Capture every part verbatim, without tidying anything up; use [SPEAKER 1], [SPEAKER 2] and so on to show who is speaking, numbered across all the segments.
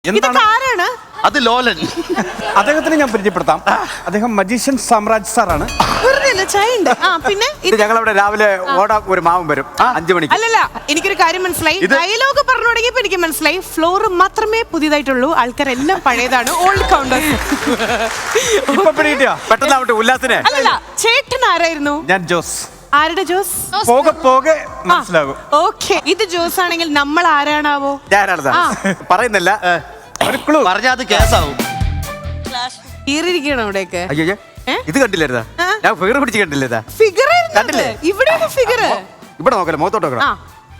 [SPEAKER 1] ആരാണ്
[SPEAKER 2] അത് ലോലൻ.
[SPEAKER 3] അദ്ദേഹത്തിന് ഞാൻ പരിചയപ്പെടുത്താം. അദ്ദേഹം മജീഷ്യൻ സാമ്രാജ് സാറാണ്.
[SPEAKER 1] പിന്നെ
[SPEAKER 4] ഞങ്ങളവിടെ രാവിലെ ഓടാ ഒരു മാവും വരും അഞ്ചു മണിക്ക്.
[SPEAKER 1] അല്ലല്ല, എനിക്കൊരു കാര്യം മനസ്സിലായി. ഡയലോഗ് പറഞ്ഞു തുടങ്ങിയപ്പോ എനിക്ക് മനസ്സിലായി ഫ്ലോർ മാത്രമേ പുതിയതായിട്ടുള്ളൂ, ആൾക്കാരെല്ലാം പഴയതാണ്. Old counters.
[SPEAKER 4] പെട്ടെന്ന് ആവട്ടെ ഉല്ലാസിനെ.
[SPEAKER 1] അല്ലല്ല, ചേട്ടൻ ആരായിരുന്നു?
[SPEAKER 3] ഞാൻ ജോസ്.
[SPEAKER 1] ആരുടെ ജോസ്?
[SPEAKER 3] പോകെ പോകെ മനസ്സിലാകും.
[SPEAKER 1] ഓക്കെ, ഇത് ജോസ് ആണെങ്കിൽ നമ്മൾ ആരാണാവോ?
[SPEAKER 4] ഞാനാണ് പറയുന്നില്ല.
[SPEAKER 2] പറഞ്ഞാ അത് കേസാവും.
[SPEAKER 1] കീറിയിരിക്കണം ഇവിടേക്ക്.
[SPEAKER 4] അയ്യോ ഇത് കണ്ടില്ലായിരുന്നാ? ഞാൻ ഫിഗർ പിടിച്ച് കണ്ടില്ലേതാ?
[SPEAKER 1] ഫിഗർ ഇവിടെ ഫിഗർ
[SPEAKER 4] ഇവിടെ നോക്കല്ലേ, മുഖത്തോട്ട് നോക്കണം.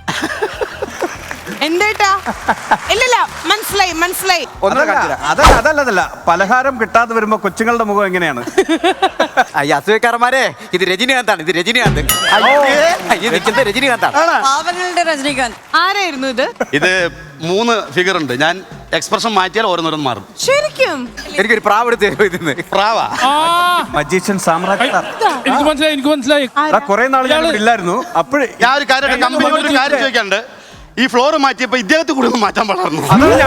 [SPEAKER 1] എന്തേട്ടാ? ഇല്ലല്ല, മനസ്സിലായി മനസ്സിലായി.
[SPEAKER 3] അതല്ല അതല്ല അതല്ല പലഹാരം കിട്ടാതെ വരുമ്പോ കൊച്ചുങ്ങളുടെ മുഖം എങ്ങനെയാണ്?
[SPEAKER 4] അയ്യ അസൂയക്കാരന്മാരെ, ഇത് രജനീകാന്താണ്. ഇത് രജനീകാന്ത്. നിൽക്കുന്നത് രജനീകാന്താണ്.
[SPEAKER 1] രജനീകാന്ത് ആരായിരുന്നു ഇത്?
[SPEAKER 2] ഇത് മൂന്ന് ഫിഗർ ഉണ്ട്. ഞാൻ എക്സ്പ്രഷൻ മാറ്റിയാൽ ഓരോന്നോരോന്ന് മാറും.
[SPEAKER 1] ശരിക്കും
[SPEAKER 4] എനിക്കൊരു പ്രാവ് എടുത്ത് ഇതിന്ന്.
[SPEAKER 2] പ്രാവാ?
[SPEAKER 3] Magician Samraj sir.
[SPEAKER 5] എനിക്ക് മനസ്സിലായി എനിക്ക് മനസ്സിലായി
[SPEAKER 3] കുറെ നാൾ ഞാൻ ഇല്ലായിരുന്നു. അപ്പോഴേ ഞാൻ
[SPEAKER 2] ഒരു കാര്യം കമ്പനിയോട് ഒരു കാര്യം ചോദിക്കാണ്ട്, ഈ ഫ്ലോർ മാറ്റിയപ്പോ ഇദ്ദേഹത്തെ കൂടെ ഒന്ന് മാറ്റാൻ പാടായിരുന്നു.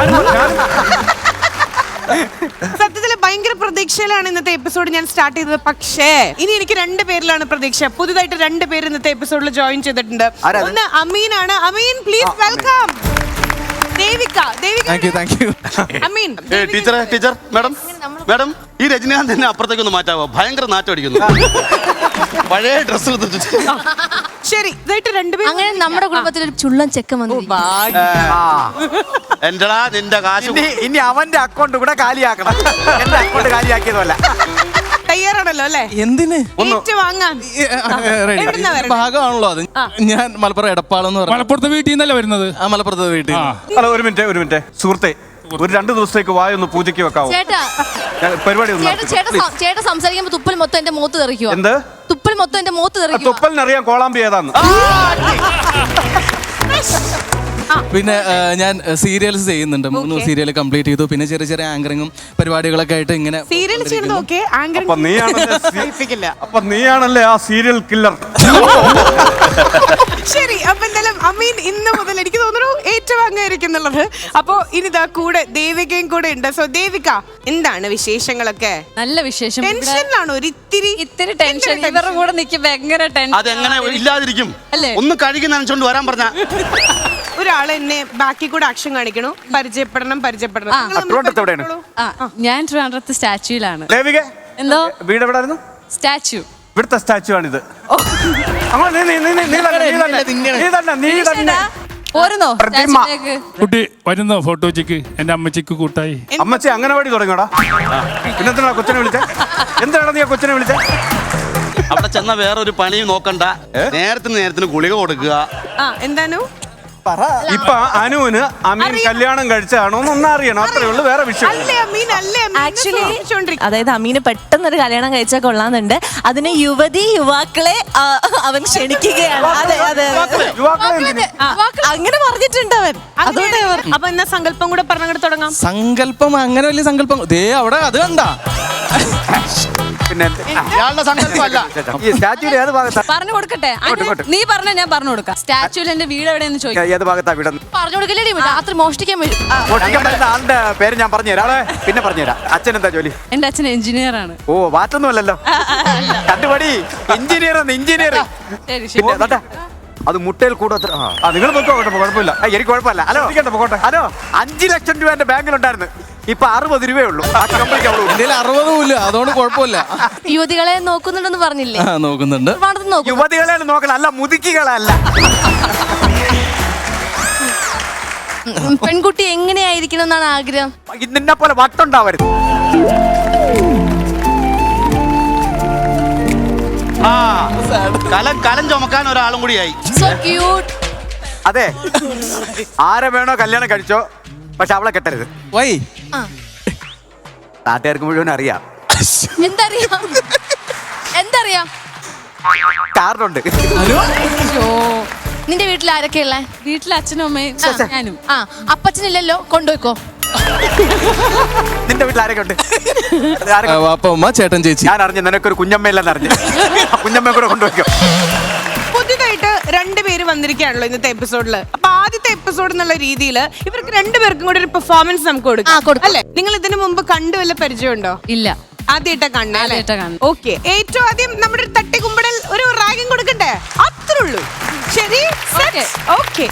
[SPEAKER 1] സത്യത്തില് ഭയങ്കര പ്രതീക്ഷയിലാണ് ഇന്നത്തെ എപ്പിസോഡ് ഞാൻ സ്റ്റാർട്ട് ചെയ്തത്. പക്ഷേ ഇനി എനിക്ക് രണ്ട് പേരിലാണ് പ്രതീക്ഷ. പുതുതായിട്ട് രണ്ട് പേര് ഇന്നത്തെ എപ്പിസോഡിൽ ജോയിൻ ചെയ്തിട്ടുണ്ട്. ഒന്ന് അമീനാണ്. Ameen please welcome. ദേവിക. ദേവിക അമീൻ.
[SPEAKER 2] ടീച്ചറെ ടീച്ചർ മാഡം മാഡം ഈ രജനീകാന്ത് തന്നെ അപ്പുറത്തേക്ക് ഒന്ന് മാറ്റാവോ? ഭയങ്കര നാറ്റം അടിക്കുന്നു. പഴയ ഡ്രസ്.
[SPEAKER 1] ശരി, ഇതായിട്ട് രണ്ടുപേരും.
[SPEAKER 6] അങ്ങനെ നമ്മുടെ കുടുംബത്തിൽ ഒരു ചുള്ളൻ ചെക്കൻ വന്നു.
[SPEAKER 2] എന്റെടാ നിന്റെ കാശ്
[SPEAKER 4] ഇനി അവന്റെ അക്കൗണ്ട് കൂടെ കാലിയാക്കണം. എന്റെ അക്കൗണ്ട് കാലിയാക്കിയതല്ല.
[SPEAKER 1] തയ്യാറാണല്ലോ അല്ലേ?
[SPEAKER 7] എന്തിന്
[SPEAKER 1] വാങ്ങാൻ
[SPEAKER 7] ഭാഗമാണല്ലോ അത്. ഞാൻ മലപ്പുറം എടപ്പാളെന്ന് പറഞ്ഞു.
[SPEAKER 5] മലപ്പുറത്തെ വീട്ടിൽ നിന്നല്ലേ വരുന്നത്?
[SPEAKER 7] ആ മലപ്പുറത്തെ വീട്ടിൽ.
[SPEAKER 3] ഹലോ, ഒരു മിനിറ്റ് ഒരു മിനിറ്റ് സുഹൃത്തെ, ഒരു രണ്ടു ദിവസത്തേക്ക് വായൊന്ന് പൂജയ്ക്ക് വെക്കാവോ?
[SPEAKER 6] ചേട്ടാ
[SPEAKER 3] പരിപാടി
[SPEAKER 6] ചേട്ടാ സംസാരിക്കുമ്പോ തുപ്പൽ മൊത്തം എന്റെ മൂത്ത് തെറിക്കുവോ?
[SPEAKER 3] എന്ത്
[SPEAKER 6] തുപ്പൽ മൊത്തം എന്റെ മൂത്ത് തെറിക്കുവോ?
[SPEAKER 3] തുപ്പലിനറിയാം കോളാമ്പി ഏതാന്ന്.
[SPEAKER 7] പിന്നെ ഞാൻ സീരിയൽസ് ചെയ്യുന്നുണ്ട്. മൂന്ന് സീരിയൽ കംപ്ലീറ്റ് ചെയ്തു. പിന്നെ ചെറിയ ചെറിയ ആങ്കറിങ്ങും പരിപാടികളൊക്കെ ആയിട്ട് ഇങ്ങനെ
[SPEAKER 1] സീരിയൽ ചെയ്യുന്നത്. ഓക്കെ,
[SPEAKER 3] അപ്പൊ നീയാണല്ലേ ആ സീരിയൽ കില്ലർ.
[SPEAKER 1] ശരി, അപ്പൊ എന്തായാലും അമീൻ ഇന്ന് മുതൽ എനിക്ക് തോന്നുന്നു ഏറ്റുവാങ്ങായിരിക്കുന്നുള്ളത്. അപ്പൊ ഇനിതാ കൂടെ ദേവികയും കൂടെ ഉണ്ട്. സോ ദേവിക, എന്താണ് വിശേഷങ്ങളൊക്കെ?
[SPEAKER 6] നല്ല വിശേഷം.
[SPEAKER 1] ടെൻഷനിലാണ് ഒരിത്തിരി
[SPEAKER 6] ഇത്തിരി ടെൻഷൻ. ഇവരുടെ കൂടെ നിൽക്കുമ്പോ ഭയങ്കര ടെൻഷൻ.
[SPEAKER 2] അതെങ്ങനെ ഇല്ലാതിരിക്കും?
[SPEAKER 1] അല്ലേ?
[SPEAKER 2] ഒന്ന് കഴുകി നനച്ചോണ്ട് വരാൻ പറഞ്ഞ
[SPEAKER 1] ഒരാൾ എന്നെ ബാക്കി കൂടെ ആക്ഷൻ കാണിക്കണു. പരിചയപ്പെടണം പരിചയപ്പെടണം.
[SPEAKER 6] ഞാൻ ട്രിവാൻഡ്രത്ത് സ്റ്റാച്യൂലാണ്.
[SPEAKER 3] ദേവിക
[SPEAKER 6] എന്തോ
[SPEAKER 3] വീട് എവിടായിരുന്നു?
[SPEAKER 6] സ്റ്റാച്യു.
[SPEAKER 3] ഇവിടുത്തെ സ്റ്റാച്ചു ആണിത്.
[SPEAKER 6] പോരുന്നോ
[SPEAKER 5] കുട്ടി വരുന്നോ ഫോട്ടോച്ചിക്ക്? എന്റെ അമ്മച്ചിക്ക് കൂട്ടായി.
[SPEAKER 3] അമ്മച്ചി അംഗനവാടി തുടങ്ങിയോടാ. പിന്നെന്താ കൊച്ചിനെ വിളിച്ചേ? എന്താണ് നീ കൊച്ചിനെ വിളിച്ചേ?
[SPEAKER 2] അവിടെ ചെന്ന വേറൊരു പണിയും നോക്കണ്ട. നേരത്തിന് നേരത്തിന് ഗുളിക കൊടുക്കുക.
[SPEAKER 1] എന്താണു
[SPEAKER 3] ഇപ്പൊ അനുവിന് അമീൻ കല്യാണം കഴിച്ചാണോ ഒന്ന് അറിയണം. അത്രേ ഉള്ളൂ, വേറെ വിഷയം.
[SPEAKER 8] ആക്ച്വലി അതായത് അമീന് പെട്ടെന്നൊരു കല്യാണം കഴിച്ചാൽ കൊള്ളാന്നുണ്ട്. അതിന് യുവതി യുവാക്കളെ അവൻ ക്ഷണിക്കുകയാണ്. അതെ അതെ അങ്ങനെ പറഞ്ഞിട്ടുണ്ട് അവൻ. അതുകൊണ്ട്
[SPEAKER 1] അപ്പൊ എന്നാ സങ്കല്പം കൂടെ പറഞ്ഞങ്ങോട്ട് തുടങ്ങാം.
[SPEAKER 7] സങ്കല്പം അങ്ങനെ വലിയ സങ്കല്പം ദേ അവിടെ അത് കണ്ടാ.
[SPEAKER 4] പിന്നെ സങ്കല്പമല്ല ഈ സ്റ്റാച്യൂടെ ഏത് ഭാഗത്താ?
[SPEAKER 6] പറഞ്ഞു കൊടുക്കട്ടെ? നീ പറഞ്ഞ ഞാൻ പറഞ്ഞു കൊടുക്കാം. സ്റ്റാച്യൂല് എന്റെ വീട് എവിടെയെന്ന് ചോദിക്കാം.
[SPEAKER 4] ഏത് ഭാഗത്താ വീട്?
[SPEAKER 6] പറഞ്ഞു കൊടുക്കല്ലേ? രാത്രി മോഷ്ടിക്കാൻ വരും.
[SPEAKER 4] മോഷ്ടിക്കാൻ പറ്റുന്ന ആളുടെ പേര് ഞാൻ പറഞ്ഞുതരാം. പിന്നെ പറഞ്ഞുതരാം. അച്ഛൻ എന്താ ജോലി?
[SPEAKER 6] എന്റെ അച്ഛൻ എഞ്ചിനീയർ ആണ്.
[SPEAKER 4] ഓ, മാറ്റൊന്നുമല്ലല്ലോ. കണ്ടുപടി, എഞ്ചിനീയർ എഞ്ചിനീയർ. പിന്നെ അത് മുട്ടയിൽ കൂടെ
[SPEAKER 3] നിങ്ങൾ കുഴപ്പമില്ല.
[SPEAKER 4] എനിക്ക് കുഴപ്പമില്ല. ഹലോ ഹലോ അഞ്ചു ലക്ഷം രൂപ എന്റെ ബാങ്കിലുണ്ടായിരുന്നു. ഇപ്പൊ അറുപത് രൂപയേ ഉള്ളൂ.
[SPEAKER 7] അറുപതും ഇല്ല, അതുകൊണ്ട് കുഴപ്പമില്ല.
[SPEAKER 6] യുവതികളെ നോക്കുന്നുണ്ടെന്ന് പറഞ്ഞില്ലേ?
[SPEAKER 7] നോക്കുന്നുണ്ട്.
[SPEAKER 4] യുവതികളെ നോക്കണം, അല്ല മുതുക്കികളല്ല.
[SPEAKER 6] പെൺകുട്ടി എങ്ങനെയായിരിക്കണം എന്നാണ് ആഗ്രഹം?
[SPEAKER 4] നിന്നെ പോലെ വട്ടുണ്ടാവരുത്.
[SPEAKER 2] ആ കലം കലം ചുമക്കാൻ ഒരാളും കൂടിയായി.
[SPEAKER 6] So cute.
[SPEAKER 4] അതെ, ആരെ വേണോ കല്യാണം കഴിച്ചോ, പക്ഷെ അവളെ കെട്ടരുത്.
[SPEAKER 7] വൈ
[SPEAKER 4] നാട്ടുകാർക്ക് മുഴുവൻ അറിയാം.
[SPEAKER 6] എന്തറിയാം? എന്തറിയാം?
[SPEAKER 4] കാർഡുണ്ട്.
[SPEAKER 6] നിന്റെ വീട്ടിൽ ആരൊക്കെയുള്ള? വീട്ടിൽ അച്ഛനും അമ്മയും ഞാനും. ആ, അപ്പച്ചനില്ലല്ലോ, കൊണ്ടുപോയിക്കോ.
[SPEAKER 4] നിന്റെ വീട്ടിൽ ആരൊക്കെ ഉണ്ട്?
[SPEAKER 7] അപ്പ അമ്മ ചേട്ടൻ ചേച്ചി.
[SPEAKER 4] ഞാൻ അറിഞ്ഞു നിനക്കൊരു കുഞ്ഞമ്മയില്ലെന്ന് അറിഞ്ഞു. കുഞ്ഞമ്മയെ കൂടെ കൊണ്ടുപോയിക്കോ.
[SPEAKER 1] പുതിയതായിട്ട് രണ്ടുപേര് വന്നിരിക്കുകയാണല്ലോ ഇന്നത്തെ എപ്പിസോഡിൽ. അപ്പൊ ആദ്യത്തെ എപ്പിസോഡ് എന്നുള്ള രീതിയിൽ ഇവർക്ക് രണ്ടുപേർക്കും കൂടി ഒരു പെർഫോമൻസ് നമുക്ക് കൊടുക്കാം അല്ലെ? നിങ്ങൾ ഇതിനു മുമ്പ് കണ്ടു വല്ല പരിചയമുണ്ടോ?
[SPEAKER 6] ഇല്ല,
[SPEAKER 1] ആദ്യമായിട്ടാ കാണുന്നത്.
[SPEAKER 6] ആദ്യമായിട്ടാ കാണുന്നത്.
[SPEAKER 1] ഓക്കെ, ഏറ്റവും ആദ്യം നമ്മുടെ ഒരു തട്ടിക്കുമ്പടൽ ഒരു റാഗിങ് കൊടുക്കണ്ടേ? അത്രേ ഉള്ളൂ. ശരി, ഓക്കെ.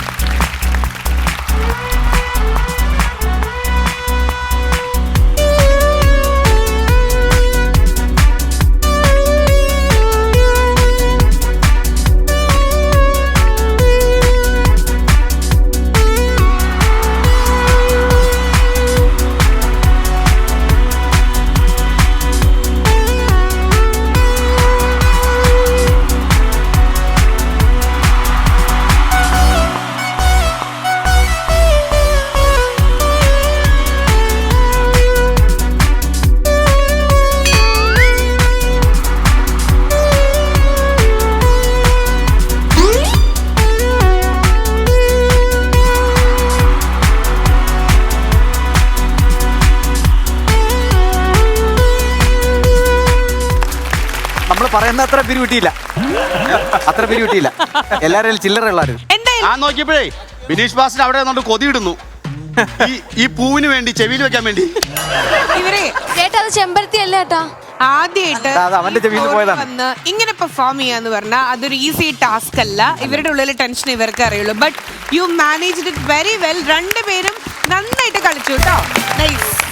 [SPEAKER 4] പറയുന്ന അത്ര പിരി കിട്ടിയില്ല, അത്ര പിരി കിട്ടിയില്ല. എല്ലാവരും ചില്ലറ ഉള്ളാരും.
[SPEAKER 2] ഞാൻ നോക്കിയപ്പോഴേ ബിനീഷ് ബാസിന് അവിടെ നിന്നോണ്ട് കൊതിയിടുന്നു ഈ ഈ പൂവിന് വേണ്ടി, ചെവിയിൽ വെക്കാൻ വേണ്ടി.
[SPEAKER 1] ഇവരെ
[SPEAKER 6] ചേട്ടാ അത് ചെമ്പരത്തി അല്ല ചേട്ടാ.
[SPEAKER 1] ആദ്യമായിട്ട്
[SPEAKER 4] അവന്റെ ചെവിയിൽ പോയതാണ്.
[SPEAKER 1] വന്ന് ഇങ്ങനെ പെർഫോം ചെയ്യാന്ന് പറഞ്ഞാൽ അതൊരു ഈസി ടാസ്ക് അല്ല. ഇവരുടെ ഉള്ളിൽ ടെൻഷൻ ഇവർക്ക് അറിയുള്ളൂ. But you managed it very well. രണ്ടുപേരും നന്നായിട്ട് കളിച്ചു കേട്ടോ. നൈസ്.